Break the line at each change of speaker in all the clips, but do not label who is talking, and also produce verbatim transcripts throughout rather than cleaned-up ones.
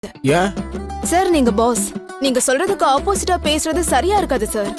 ஏன்
சார் நீங்க பாஸ், நீங்க சொல்றதுக்கு ஆப்போசிட்டா பேசுறது சரியா இருக்காது சார்.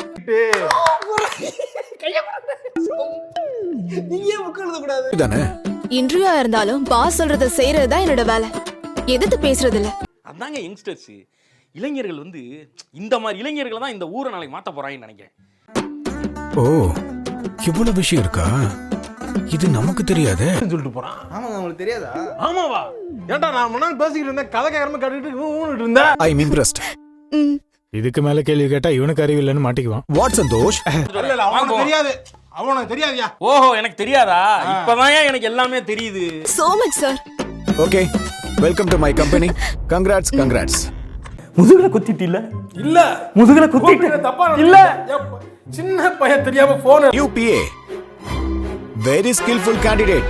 இதானே
இன்டர்வியூ இருந்தாலும் பாஸ் சொல்றத செய்யறது தான் என்னோட வேலை. எதிர்த்து பேசுறது இல்ல.
அதாங்க யங்ஸ்டர்ஸ், இளைஞர்கள் வந்து இந்த மாதிரி இளைஞர்களை தான் இந்த ஊரை நாளைக்கு மாத்த போறாங்கன்னு நினைக்கிறேன்.
ஓ இவ்வளவு விஷயம் இருக்கா? இது நமக்கு தெரியாதே.
சொல்லிட்டு போறான்.
ஆமா உங்களுக்கு தெரியாதா?
ஆமாவா? ஏன்டா நான் முன்னாடி பேசிக்கிட்டு இருந்தேன், கதை கேட்காம கேட்டுட்டு ஊன்னுட்டு இருந்தேன்.
I am impressed.
இதுக்கு மேல கேள்வி கேட்டா இவனுக்கு அறிவு இல்லைன்னு மாட்டிக்குவான்.
வாட் சந்தோஷ்?
இல்ல இல்ல அவனுக்கு தெரியாது. அவனுக்கு தெரியாதியா?
ஓஹோ எனக்கு தெரியாதா? இப்பதான் எனக்கு எல்லாமே தெரியுது.
So much sir.
Okay welcome to my company. Congrats congrats.
முதுகுல குத்திட்டு இல்ல
இல்ல
முதுகுல குத்திட்டு
தப்பா
இல்ல.
சின்ன பையன் தெரியாம போன்
new PA very skilful candidate.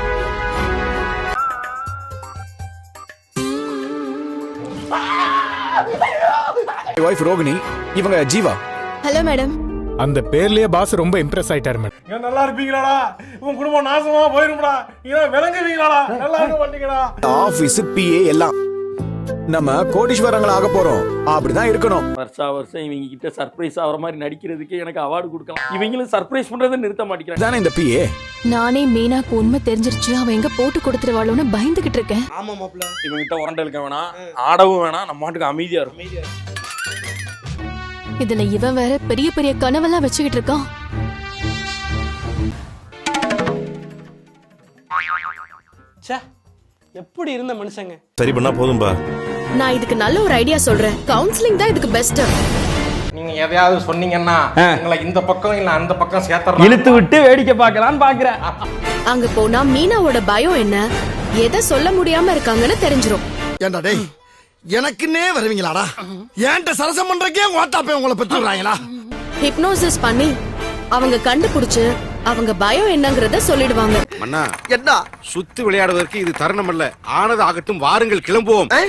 Wife Rohini, இவங்க ஜீவா.
Hello madam.
அந்த பேர்லயே பாஸ் ரொம்ப இம்ப்ரெஸ் ஆயிட்டாரு மேடம்.
ஏன் நல்லா இருப்பீங்களாடா? உன் குடும்பம் நாசமா போயிரும்டா. நீங்க விளங்குவீங்களாடா? நல்லா இருக்க மாட்டீங்கடா.
ஆபீஸ் பிஏ எல்லாம் நம்ம கோடீஸ்வரங்கள ஆக போறோம். அப்படிதான் இருக்கணும்.
வருஷா வருஷம் இவங்க கிட்ட சர்ப்ரைஸ் ஆகிற மாதிரி நடிக்கிறதுக்கு எனக்கு அவார்டு கொடுக்கலாம். இவங்களும் சர்ப்ரைஸ் பண்றதை நிறுத்த மாட்டேங்கிறாங்க.
தானே இந்த பிஏ.
நானே மீனாக்கு உண்மை தெரிஞ்சிருச்சு, அவ எங்க போட்டு கொடுத்துருவாளோன்னு பயந்துகிட்டு இருக்கேன்.
ஆமா மாப்ள.
இவங்க கிட்ட உரண்டை இழுக்க வேணாம், ஆடவும் வேணாம், நம்ம மாட்டுக்கு அமைதியா இருக்கும்.
இதுல இவன் வேற பெரிய பெரிய கனவெல்லாம் வச்சுக்கிட்டு இருக்கான்.
ச்சே, எப்படி இருந்த மனுஷங்க.
சரி பண்ணா போதும்பா.
நான் இதுக்கு நல்ல ஒரு ஐடியா சொல்றேன். கவுன்சிலிங் தான் இதுக்கு பெஸ்ட்.
நீங்க எதையாவது சொன்னீங்கன்னா உங்களை இந்த பக்கம் இல்ல அந்த பக்கம் சேர்த்தறேன்.
இழுத்து விட்டு வேடிக்கை பார்க்கலான்னு பாக்குறேன்.
அங்க போனா மீனாவோட பயம் என்ன, எதை சொல்ல முடியாம இருக்காங்கன்னு தெரிஞ்சிரும்.
ஏண்டா டேய், எனக்குன்னே வருவீங்களாடா? ஏன்ட்ட சரசம் பண்றக்கே ஓட்டாப்பே உங்களை பெற்றுறாங்களா?
ஹிப்னோசிஸ் பண்ணி அவங்க கண்டுபிடிச்சு அவங்க பயம் என்னங்கறத சொல்லிடுவாங்க.
மன்னா
என்ன
சுத்தி விளையாடுவதற்கு இது தருணம் அல்ல. ஆனது ஆகட்டும், வாருங்கள் கிளம்புவோம்.